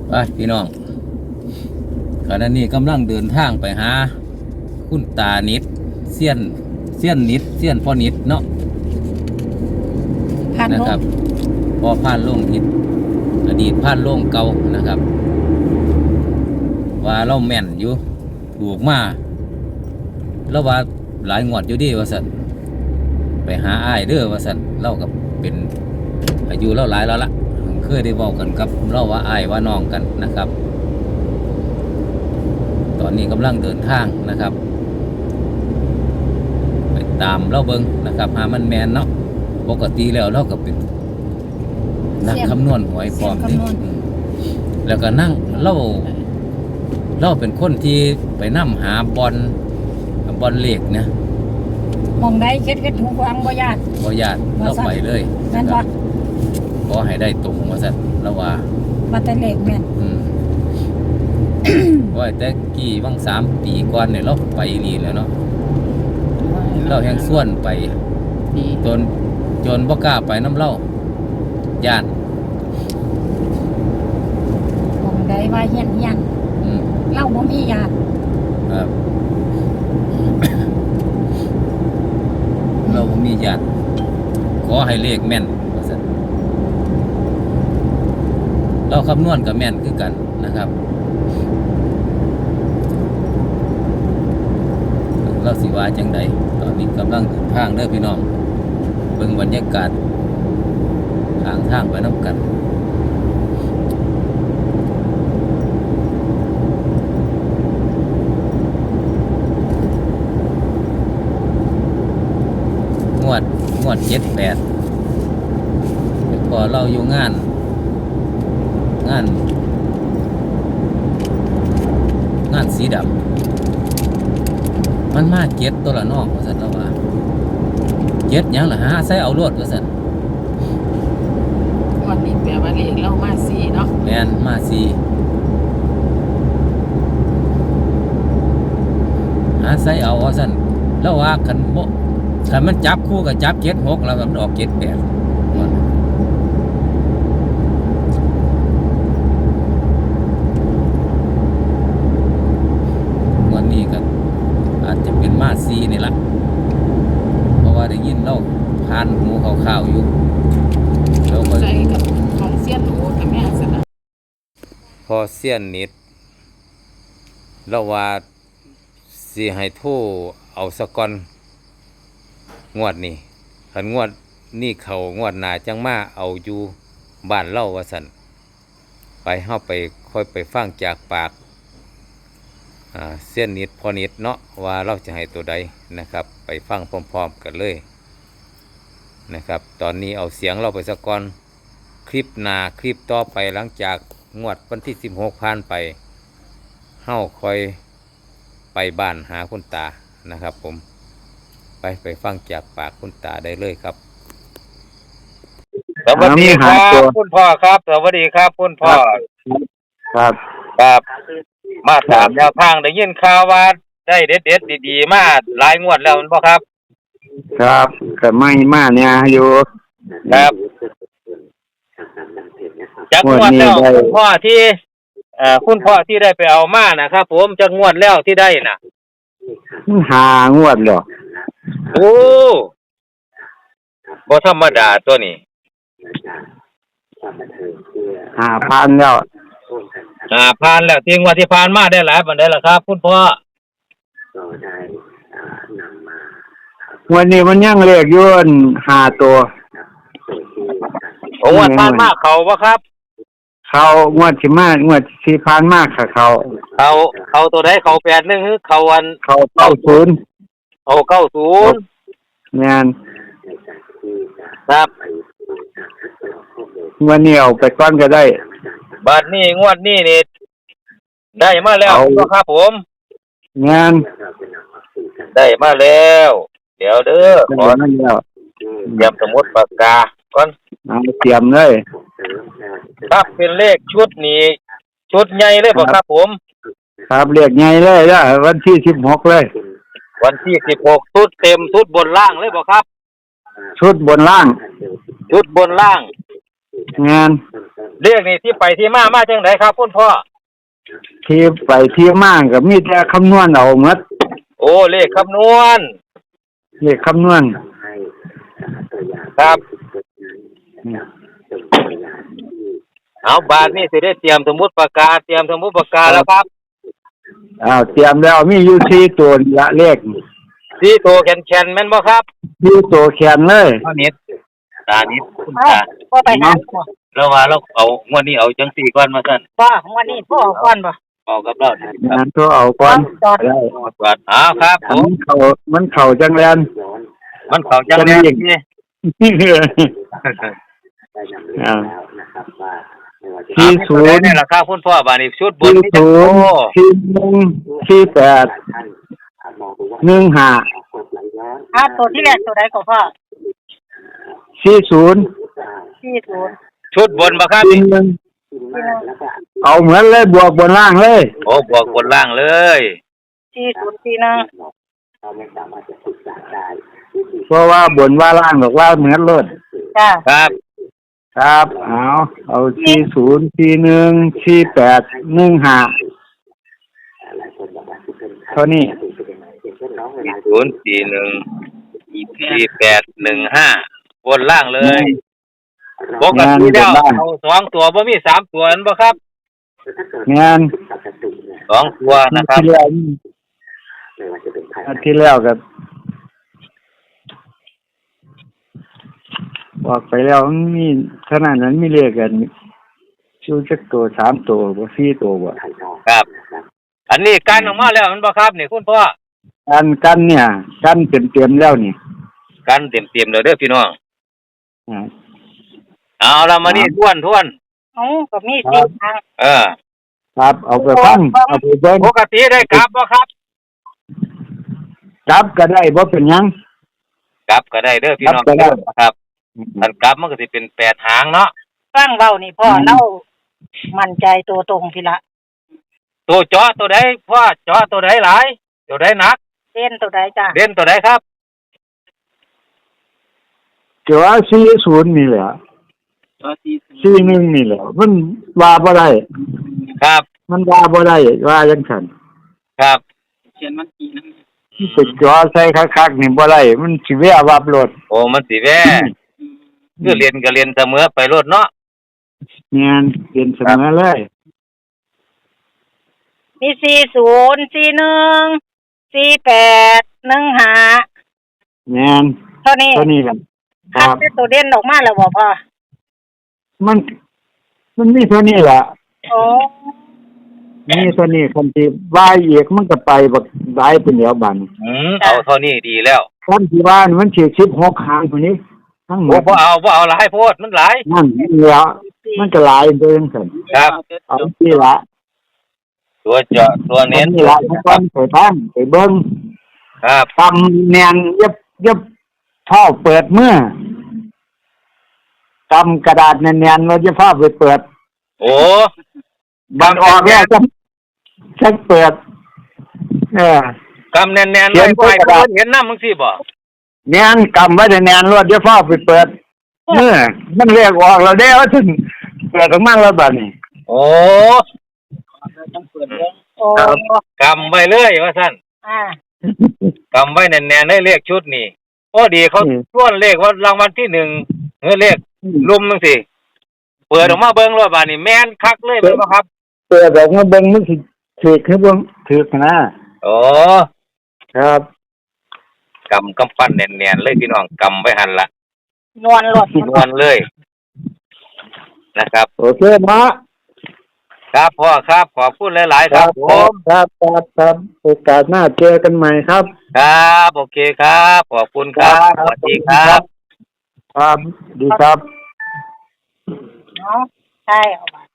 ไปพี่น้องขณะนี้กำลังเดินทางไปหาคุณตานิดเซียนนิดเซียนพ่อนิดเนาะนะครับพอผ่านโล่งนิดอดีตผ่านโล่งเก่านะครับว่าเราแม่นอยู่ถูกมาแล้วว่าหลายงวดอยู่ดีว่าสันไปหาอ้ายเด้อว่าสันเล่ากับเป็นอายุเล่าหลายแล้วละเคยได้บอกกันกับเล่าว่าอ้ายว่าน้องกันนะครับ ตอนนี้กำลังเดินทางนะครับไปตามเล่าเบิงนะครับหามันแมนเนาะปกติแล้วเราก็เป็นนักคำนวณหวยพร้อมนี่แล้วก็นั่งเล่าเป็นคนที่ไปนั่หาบอลเลขเนี่ยมองได้เค็ดหูฟังบ่ญาติเราไปเลยนั่นบ่ขอให้ได้ตรงว่าสัตว์เราว่าแต่เลขแม่นว่าแต่กี่ว่าง3 ปีก่อนเนี่ยเราไปนี่แล้วเนาะเราแห่งส่วนไปจนบ่กล้าไปน้ำเล่าญาติมองได้ว่าเฮียนเล่าบ่มีญาติครับเราบ่มีญาติขอให้เลขแม่นว่าซั่นเราคำนวณกับแม่นคือกันนะครับเราสิว่าจังใดตอนนี้กำลังเดินทางเด้อพี่น้องเบิ่งบรรยากาศทางไปน้ำกันงวด7-8พอเราอยู่งานสีดำมันมาเก็ดตัวละนอกว่าสันเราว่าเก็ดยังล่ะฮะใส่เอารวดว่าสันวันนี้แปลว่าเลขเรามา4เนาะแม่นมา4หาใส่เอาว่าสันแล้วว่าคันมันจับคู่กับจับ7-6แล้วมันออก7-8วันนี้ก็อาจจะเป็นมาซีนี่ละเพราะว่าได้ยินเล่าผ่านหูข่าวๆอยู่แล้วก็ใจกับของเสี้ยนโอกับแม่สนะพอเสี้ยนนิดแล้วว่าสิให้โทรเอาสะก่อนงวดนี้คันงวดนี่เขางวดหน้าจังมาเอาอยู่บ้านเล่าว่าสั่นไปเฮาไปค่อยไปฟังจากปากเส้นนิดพอนิดเนาะว่าเราจะให้ตัวใดนะครับไปฟังพร้อมๆกันเลยนะครับตอนนี้เอาเสียงเราไปสะก่อนคลิปหน้าคลิปต่อไปหลังจากงวดวันที่16ผ่านไปเฮาค่อยไปบ้านหาคุณตานะครับผมไปฟังจากปากคุณตาได้เลยครับสวัสดีครับคุณพ่อครับสวัสดีครับคุณพ่อครับมาตามแนวทางได้ยินข่าวว่าได้เด็ดดีๆมาหลายงวดแล้วพ่อครับครับก็ไม่มาเนี่ยอยู่ครับจากงวดแล้วคุณพ่อที่ได้ไปเอามานะครับผมจากงวดแล้วที่ได้น่ะ 5 งวดหรอโอ้บ่ธรรมดาตัวนี้ 5,000แล้วผ่านแล้วที่งวดที่ผ่านมาได้หลายปานใดล่ะครับคุณพ่อวันนี้มันยังเลขอยู่5 ตัวงวดผ่านมาเขาบ่ครับเขางวดสิมางวดสิผ่านมาค่ะเขาตัวใดเขา81คือเขา90เอา90 แม่นครับวันนี้เอาไปก่อนก็ได้บัดนี้งวดนี้นี่ได้มาแล้วครับผมงานได้มาแล้วเดี๋ยวเด้อขอเตรียมสมุดปากกาก่อนเตรียมเลยครับเป็นเลขชุดนี้ชุดใหญ่เลยบ่ครับผมครับเลขใหญ่เลยนะวันที่16เลยวันที่16ชุดเต็มชุดบนล่างเลยบ่ครับชุดบนล่างงานเรียกนี่ที่ไปที่มาจังไดครับคุณพ่อที่ไปที่มาก็มีแต่คำนวณเอาหมดโอ้เลขคำนวณเลขคำนวณครับ เอาบาทนี่สิได้เตรียมสมุดปากกาแล้วครับเตรียมแล้วมีอยู่4ตัวนี่ละเลขสีโตแคนแม่นบ่ครับ 4ตัวแขนเลยตานิดคุณเอ้าตาพ่อไปหาบ่เราว่าเราเอางวดนี้เอาจังสี่ก่อนมาสั่นพ่อของวันนี้พ่อเอาก่อนบ่เอากับเราคงารับนตัวเอาก่อนจอดได้ก่อนเอาครับผอันมมันเข้าจังแลนมันเขาจังแน่นี่อ่า 40นี่แหละครับคุณพ่อบาดนี้ชุดบนนี่จังโต 40 41 15 ตัวที่แรกตัวใดก็พ่อ 40 40 ชุดบนบ่ครับ 41เอาเหมือนเลยบวกบนล่างเลยโอ้บวกบนล่างเลย 4041 เพราะว่าบนว่าล่างบอกว่าเหมือนรถจ้าครับครับเอา40 41 48 15เท่านี้ 0414815บนล่างเลยปกติแล้วเอา2ตัวบ่มี3ตัวนั่นบ่ครับงาน 2ตัวนะครับที่แล้วกับบอกไปแล้วมันมีขนาดนั้นมีเลขกันชูจักตัว3ตัวบ่4ตัวบ่ครับ อันนี้การออกมาแล้วมันบ่ครับนี่คุณพ่อกันเนี่ยกันเต็มๆแล้วนี่กันเต็มๆเลยเด้อพี่น้องอ่าเอาละมานี่ทวนเอ้าก็มี4ทางครับเอาไปฟังเอาไปเบิ่งปกติได้กลับบ่ครับจับก็ได้บ่เป็นหยังกลับก็ได้เด้อพี่น้องกลับก็ได้ครับอันกลับมันก็สิเป็น8หางเนาะฟังเว้านี่พ่อเล่ามั่นใจตัวตรงพี่ละตัวเจาะตัวใดพ่อเจาะตัวใดหลายตัวใดหนักเล่นตัวใดจ้าเด่นตัวใดครับเดี๋ยว40นี่แหละ41นี่แหละมันว่าบ่ได้ครับมันว่าบ่ได้ว่าจังซั่นครับไปจ่อใส่คักๆนี่บ่ได้มันสิแวะวับรถโอ้มันสิแว่คือเรียนก็เรียนเสมอไปโลดเนาะงานเปลี่ยนเสมอเลยมี40 41 48 15 งานเท่านี้เท่านี้กันคคัรัดบเป็นตัวเด่นออกมาแล้วบ่พ่อมันมีเท่านี้ล่ะโอ้มีเท่านี้คันที่ว่าอีกมันก็ไปบักหลายเป็นเดียวบัดเอาเท่านี้ดีแล้วคันที่ว่านี่มันสิ16หางพุ่นนี้ทั้งหมโอ้ดบ่เอาหลายโพดมันหลายนั่นเหลือมันก็หลายเด้จังซั่นครับเอาที่ละตัวเจาะตัวเน้นนี่ละทุกคนไปฟังไปเบิ่งครับตำแนนยับท่อเปิดเมื่อกำกระดาษแนนๆเราจะพาไปเปิดโอ้บันออกแล้วจะเปิดกำแน่นๆเลยไปเพิ่นเห็นน้ำมึงสิบ่แนนกำไว้แนนรถจะพาไปเปิดเมื่อมันเรียกออกเราได้ว่าถึงเปิดออกมาแล้วบัดนี้โอ้โอ้กำไว้เลยว่าซั่นอ่ากำไว้แน่นๆได้เลขชุดนี่โอ้ดีเขาส่วนเลขว่ารางวัลที่1เลขลุมจังซี่เปิดออกมาเบิ่งรถบาดนี้แม่นคักเลยแม่นบ่ครับเปิดออกมาเบิ่งมันสิถือคือบ่ถือนะโอ้ครับกำปั้นแน่นๆเลยพี่น้องกำไว้หั่นล่ะนวลรถนวลเลยนะครับโอเคนะครับพ่อครับขอบคุณหลายๆครับผมครับโอกาสหน้าเจอกันใหม่ครับครับโอเคครับขอบคุณครับสวัสดีครับครับดีครับเนาะใช่เอาไป